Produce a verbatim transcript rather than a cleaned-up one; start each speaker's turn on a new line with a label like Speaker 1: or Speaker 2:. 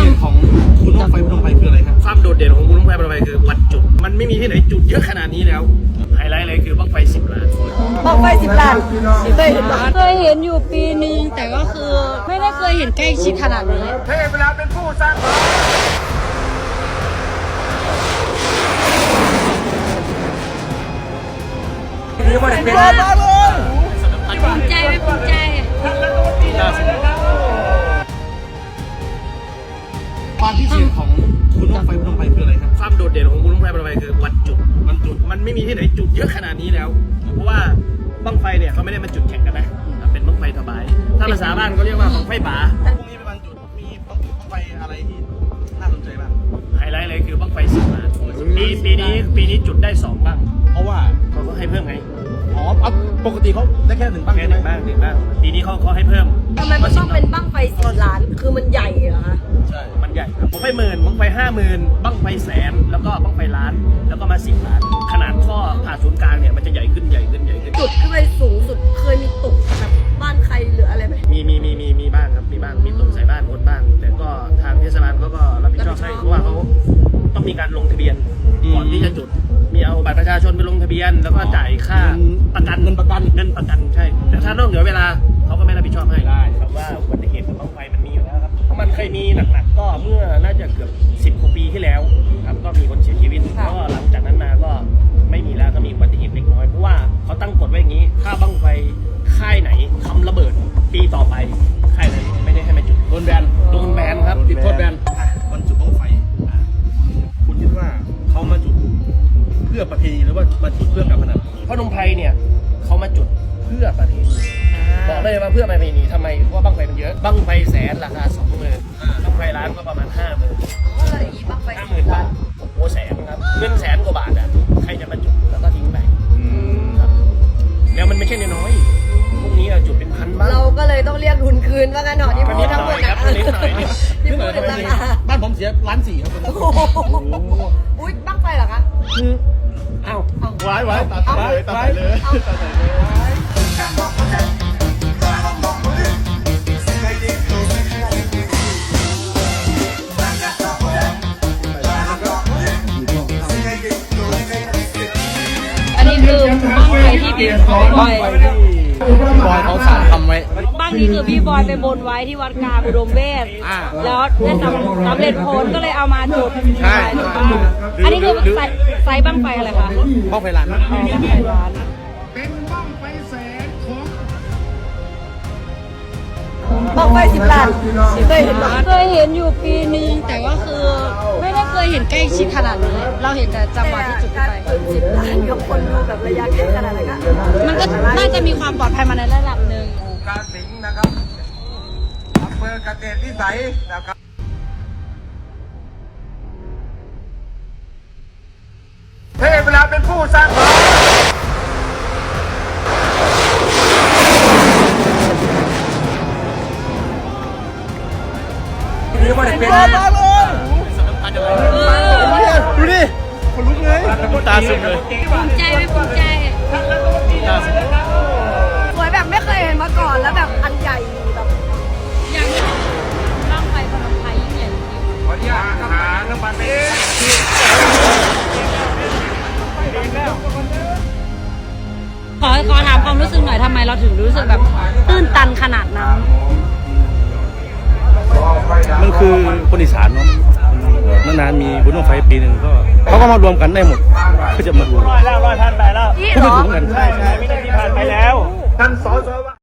Speaker 1: ด่นของบุญบั้งไฟพนมไพรคืออะไรครับ
Speaker 2: ความโดดเด่นของบุญบั้งไฟพนมไพรคือวัดจุดมันไม่มีที่ไหนจุดเยอะขนาดนี้แล้วไฮไลท์เลยคือบั้งไฟสิบล้าน
Speaker 3: บั้งไฟสิบล้านเคยเห็น
Speaker 4: เคยเห็นอยู่ปีนึงแต่ก็คือไม่ได้เคยเห็นใกล้ชิดขนาดนี้
Speaker 2: เทพเวลาเป็นผู้สร้างนี่ว่าเป็น
Speaker 4: ภูมิใจไม่ภูมิใจ
Speaker 1: ความพิเศษของบุญบั้งไฟพนมไพรคืออะไรครับ
Speaker 2: ความโดดเด่นของบุญบั้งไฟพนมไพรคือวัดจุดมันจุดมันไม่มีที่ไหนจุดเยอะขนาดนี้แล้วเพราะว่าบั้งไฟเนี่ยเขาไม่ได้มาจุดแข่งกันนะเป็นบั้งไฟถวายถ้าภาษาบ้านเขาเรียกว่าบั้งไฟป๋า
Speaker 1: พรุ่งนี้เป็นวันจุดมีบั้งไฟอะไรที่น่าสนใจบ้าง
Speaker 2: ไฮไลท์เลยคือบั้งไฟสิบล้านปีปีนี้ปีนี้จุดได้สองบ้าง
Speaker 1: เพราะว่า
Speaker 2: เขาก็ให้เพิ่มไง
Speaker 1: อ๋อปกติเขาได้แค่หนึ่งบ้าง
Speaker 2: แค่หนึ่งบ้างหนึ่งบ้างปีนี้เขาเขาให้เพิ่ม
Speaker 3: ทำไมมันต้องเป็นบั้งไฟสิบล้านคือมันใหญ่เหรอคะ
Speaker 2: ใช่มันใหญ่บั้งไฟหมื่นบั้งไฟห้าหมื่นบั้งไฟแสนแล้วก็บั้งไฟล้านแล้วก็มาสิบล้านขนาดท่อผ่าศูนย์กลางเนี่ยมันจะใหญ่ขึ้นใหญ่ขึ้นใหญ่ขึ้น
Speaker 3: จุดขึ้นไปสูงสุดเคยมีตกแบบบ้านใครหรืออะไรไหม
Speaker 2: มีมีมีมีมีบ้างครับมีบ้างมีตกใส่บ้านคนบ้างแต่ก็ทางเทศบาลเขาก็รับผิดชอบให้เพราะว่าเขาต้องมีการลงทะเบียนก่อนที่จะจุดมีเอาบัตรประชาชนไปลงทะเบียนแล้วก็จ่ายค่าประกัน
Speaker 1: เงินประกัน
Speaker 2: เงินประกันใช่แต่ถ้านอกเหนือเวลาเขาก็ไม่รับผิดชอบให้ได้ครับว่าอุบัติเหตุกับบั้งไฟมันมีอยู่แล้วครับมันเคยมีหนักๆก็เมื่อน่าจะเกือบสิบกว่าปีที่แล้วครับก็มีคนเสียชีวิตก็หลังจากนั้นมาก็ไม่มีแล้วก็มีอุบัติเหตุเล็กน้อยเพราะว่าเขาตั้งกฎไว้อย่างนี้ถ้าบั้งไฟค่ายไหนทำระเบิดปีต่อไปค่ายนั้นไม่ได้ให้มาจุด
Speaker 1: โดนแบน
Speaker 2: โดนแบนครับ
Speaker 1: ติดโทษแบนวันจุดบั้งไฟคุณคิดว่าเขามาจุดเพื่อประเพณีหรือว่ามาจุดเพื่อการพนัน
Speaker 2: พนมไพรเนี่ยเขามาจุดเพื่อประเพณีบอกได้ว่าเพื่อประเพณีทำไมเพราะว่าบั้งไฟมันเยอะบั้งไฟแสนราคาสองหมื่นบั้งไฟล้านก็ประมาณห้าหมื่นห้าหมื่นบาทโอ้แสนครับเงินแสนกว่าบาทอ่ะใครจะมาจุดแล้วก็ทิ้งไปครับแล้วมันไม่ใช่น้อยพวกนี้จุดเป็นพันบ้าง
Speaker 3: เราก็เลยต้องเรียกทุนคืนว่ากันหน่อยที่พูดทั้งหมดนะที่พูดถึงราคา
Speaker 1: บ้านผมเสียล้านสี่ครับ
Speaker 3: อุ้ยบั้งไฟเหรอคะ
Speaker 2: อ้าว
Speaker 1: ไว้ไว้ตัดเลยตัดเลยตัดเลย
Speaker 4: อันนี้คือบั้งไฟที่พี่บอย
Speaker 1: บอยเขาสั่งทำไว้
Speaker 4: บ้างนี้คือพี่บอยไปบนไว้ที่วัดกลางอุดมเวชแล้วได้สำสำเร็จผลก็เลยเอามาจุด
Speaker 1: ใช่
Speaker 4: อันนี้คือไซส์บั้งไฟอะไรคะ
Speaker 1: บั้งไฟล้าน
Speaker 4: บั้งไฟล้าน
Speaker 5: เป็นบั้งไฟแสนของ
Speaker 3: บั้งไฟสิบล้านเคยเห็น
Speaker 4: เคยเห็นอยู่ปีนึงแต่ก็คือไม่ได้เคยเห็นใกล้ชิดขนาดนี้เราเห็นแต่จังหวะที่จุดไป
Speaker 3: สิบล้านกับคนดูแบบระยะใกล้ขนาดนั้น
Speaker 4: มันก็น่าจะมีความปลอดภัยมาในระดับหนึ่ง
Speaker 5: กาสิงห์นะครับอำเภอกเกษตรวิสัยนะครับเทพเวลาเป็นผู้สร้างนี่ว่าเป็น
Speaker 1: ดูดิคนลุกเลยตาสุดเลย
Speaker 4: ภูมิใจไม่ภูมิใจ
Speaker 1: ตาสุด
Speaker 3: สวยแบบไม่เคยเห็นมาก่อนแล้วแบบอันใหญ่แบบ
Speaker 4: อย่างนี้บั้งไฟพนมไพรยิ่งใหญ่จริง
Speaker 5: ขออนุญาตหาเรื่องมันเป็น
Speaker 4: ขอขอถามความรู้สึกหน่อยทำไมเราถึงรู้สึกแบบตื้นตันขนาดนั้น
Speaker 1: มันคือคนอีสานเนาะนานๆมีบุญบั้งไฟปีหนึ่งก็เขาก็มารวมกันได้หมดก็จะมาดู
Speaker 2: ร้อยแล้วร้อยพันไปแล้ว
Speaker 1: พูดถึงกัน
Speaker 2: ใช่ใช่ไม่ได้ที่ผ่านไปแล้ว
Speaker 5: ท่านสส